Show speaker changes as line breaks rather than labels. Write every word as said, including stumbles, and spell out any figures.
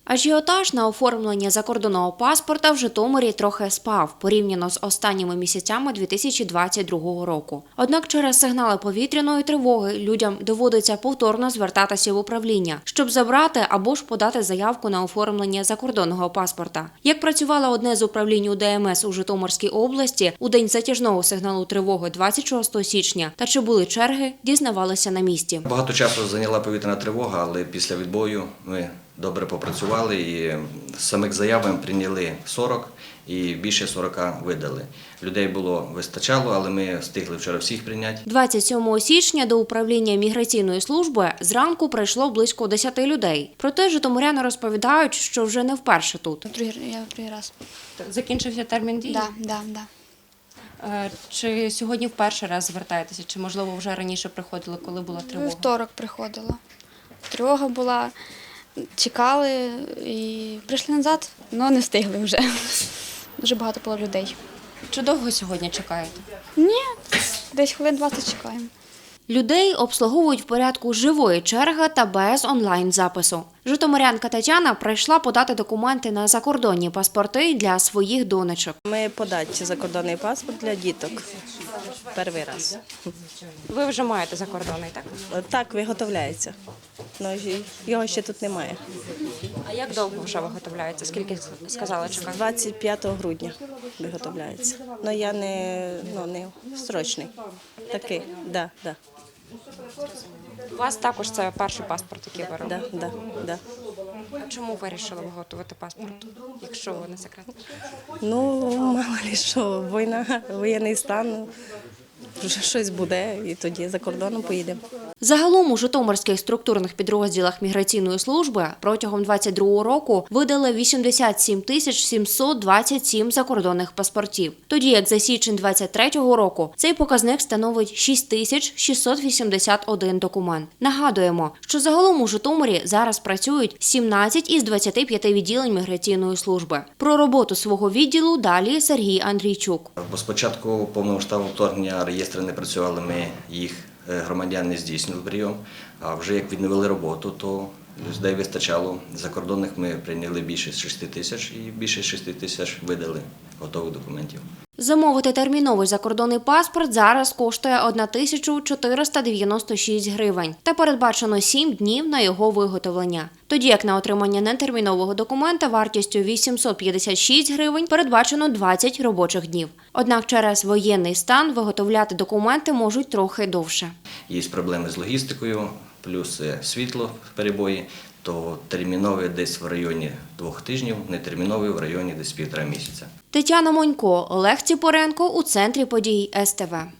Ажіотаж на оформлення закордонного паспорта в Житомирі трохи спав порівняно з останніми місяцями дві тисячі двадцять другого року. Однак через сигнали повітряної тривоги людям доводиться повторно звертатися в управління, щоб забрати або ж подати заявку на оформлення закордонного паспорта. Як працювало одне з управлінь У Д М С у Житомирській області у день затяжного сигналу тривоги двадцять шостого січня та чи були черги, дізнавалися на місці.
Багато часу зайняла повітряна тривога, але після відбою ми добре попрацювали і з самих заяв ми прийняли сорок і більше сорока видали. Людей було вистачало, але ми встигли вчора всіх прийняти.
двадцять сьомого січня до управління міграційної служби зранку прийшло близько десяти людей. Проте житомиряни розповідають, що вже не вперше тут.
Другий, я другий раз.
Закінчився термін дії?
Да, да, да.
Чи сьогодні вперше раз звертаєтеся, чи можливо вже раніше приходили, коли була тривога?
Вівторок приходила. Тривога була, чекали і прийшли назад, але не встигли вже. Дуже багато було людей.
Чи довго сьогодні чекаєте?
Ні, десь хвилин двадцять чекаємо.
Людей обслуговують в порядку живої черги та без онлайн-запису. Житомирянка Тетяна прийшла подати документи на закордонні паспорти для своїх донечок.
Ми подати закордонний паспорт для діток. Перший раз.
Ви вже маєте закордонний, так?
Так, виготовляється. Ну, його ще тут немає.
А як довго вже виготовляється? Скільки сказали чекати?
двадцять п'ятого грудня виготовляється. Ну, я не, ну, не строчний. Такий, да, да,
У вас також це перший паспорт, який ви робите?
да, да, да.
А чому вирішили виготовити паспорт, якщо не секрет?
Ну, мало ли що, війна, воєнний стан, вже щось буде, і тоді за кордоном поїдемо.
Загалом у житомирських структурних підрозділах міграційної служби протягом двадцять другого року видали вісімдесят сім тисяч сімсот двадцять сім закордонних паспортів. Тоді як за січень двадцять третього року цей показник становить шість тисяч шістсот вісімдесят один документ. Нагадуємо, що загалом у Житомирі зараз працюють сімнадцять із двадцяти п'яти відділень міграційної служби. Про роботу свого відділу далі Сергій Андрійчук.
Бо спочатку повномасштабного вторгнення реєстри не працювали, ми їх громадян не здійснювали прийом, а вже як відновили роботу, то людей вистачало. Закордонних ми прийняли більше шести тисяч і більше шести тисяч видали готових документів.
Замовити терміновий закордонний паспорт зараз коштує тисячу чотириста дев'яносто шість гривень та передбачено сім днів на його виготовлення. Тоді як на отримання нетермінового документа вартістю вісімсот п'ятдесят шість гривень передбачено двадцять робочих днів. Однак через воєнний стан виготовляти документи можуть трохи довше.
Є проблеми з логістикою, плюс світло перебої, то терміновий десь в районі двох тижнів, нетерміновий в районі десь півтора місяця.
Тетяна Монько, Олег Ціпоренко у центрі подій С Т В.